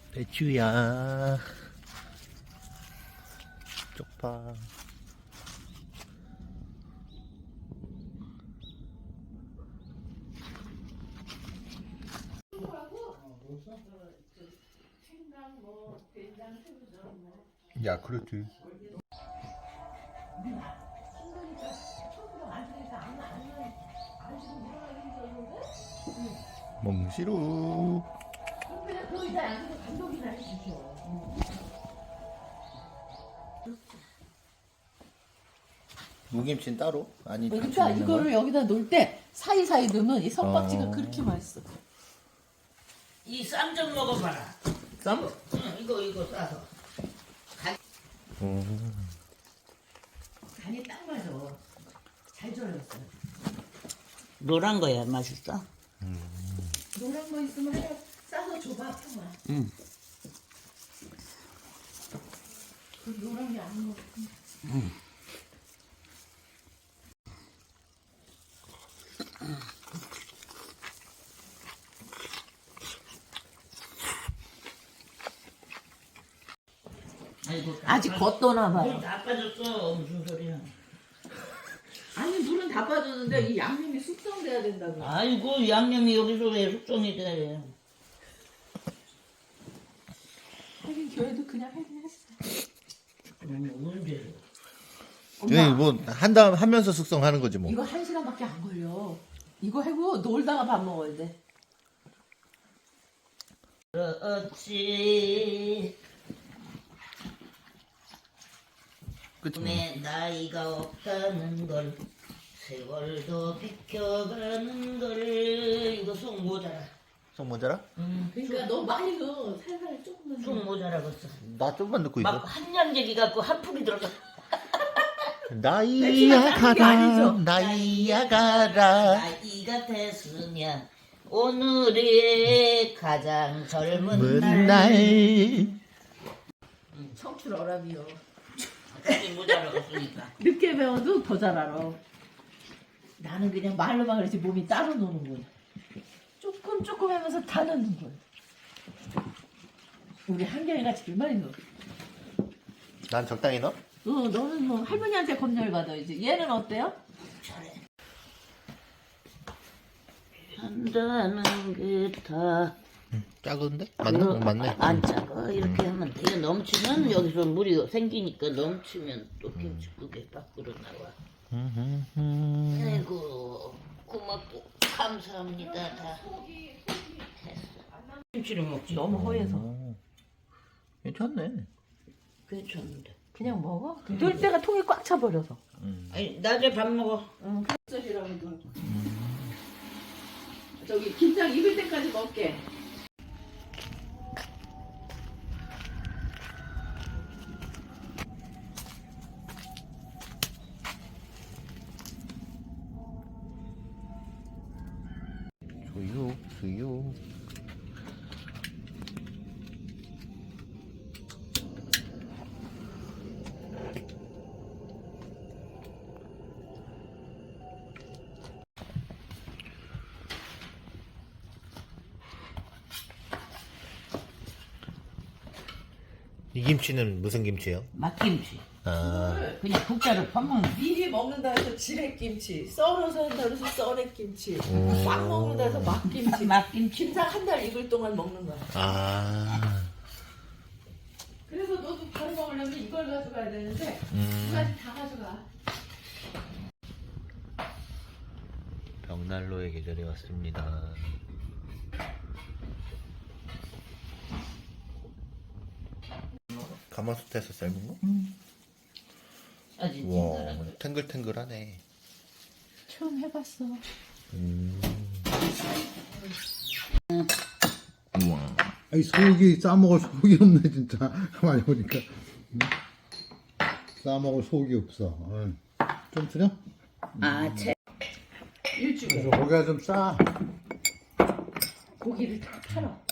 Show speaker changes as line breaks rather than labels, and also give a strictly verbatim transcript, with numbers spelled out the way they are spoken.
배추야 쪽파. 야 그렇지. 몽시루. 무김치는 따로? 아니
그러니까 이거를 여기다 놓을 때 사이사이 넣으면 이 석박지가
어.
그렇게 맛있어.
이 쌈 좀 먹어봐라.
쌈?
응, 이거 이거 싸서.
음.
간이 딱 맞아. 잘 절였어.
노란 거야 맛있어.
노란 거 있으면 하나 싸서 줘봐, 평아.
응.
그 노란 게 안 먹어.
응. 아이고,
아직 걷도나 봐요.
물 다 빠졌어. 무슨 소리야.
아니 물은 다 빠졌는데 이 양념이 숙성돼야 된다고.
아이고 양념이 여기서 왜 숙성이 돼?
하긴 교회도 그냥 하긴 했어.
음, 언제?
네, 뭐한 다음 하면서 숙성하는 거지 뭐.
이거 한 시간밖에 안 걸려. 이거 하고 놀다가 밥 먹어야 돼.
그렇지.
그치?
내 나이가 없다는 걸 세월도 비켜가는 걸 이거 속 모자라.
속 모자라?
응.
그러니까 너 많이 넣어. 살살 조금만.
속 모자라겠어.
나 좀만 넣고 있어.
막 한 양재기 갖고 한 풀이 들어가.
나이야 가라 나이야 가라.
나이가 됐으면 오늘의 가장 젊은
먼
날.
날.
청출 어람이요.
속 모자라겠으니까.
늦게 배워도 더 잘 알아. 나는 그냥 말로만 그렇지 몸이 따로 노는 거야. 조금 조금 하면서 다 넣는 거야. 우리 한경이가 제일 많이 넣어.
난 적당히 넣어?
어, 너는 뭐 할머니한테 검열 받아 이제. 얘는 어때요?
잘해. 한다는 게다
작은데? 맞나? 어, 맞네.
안 작아. 이렇게 하면 돼. 이거 넘치면 여기서 물이 생기니까 넘치면 또 김치국에 밖으로 나와.
음, 음.
아이고 고맙고 감사합니다. 다 했어. 김치를 먹지.
너무 허해서.
오, 괜찮네.
괜찮은데.
그냥 먹어? 넣을 때가 통이 꽉 차버려서.
음.
아니 낮에 밥 먹어.
응, 쌀이라고도. 저기 김장 익을 때까지 먹게.
수육 수육. 이 김치는 무슨 김치예요?
막김치.
아,
그냥 국자를 퍼먹는.
미리 먹는다 해서 지렛김치, 썰어서 한다 해서 썰액김치,
오.
막 먹는다 해서 막김치.
막김치.
김장 한 달 익을 동안 먹는 거야.
아,
그래서 너도 바로 먹으려면 이걸 가져가야 되는데 두
음.
가지 다 가져가.
벽난로의 계절이 왔습니다. 가마솥에서 삶은 거?
아주
와,
진짜라.
탱글탱글하네.
처음 해봤어.
음. 우와.
아니 속이 싸먹을 속이 없네 진짜. 가만히 보니까 음. 싸먹을 속이 없어. 어. 좀 틀려?
아, 채.
일주일
그래서 고기가 좀 싸.
고기를 다 팔아.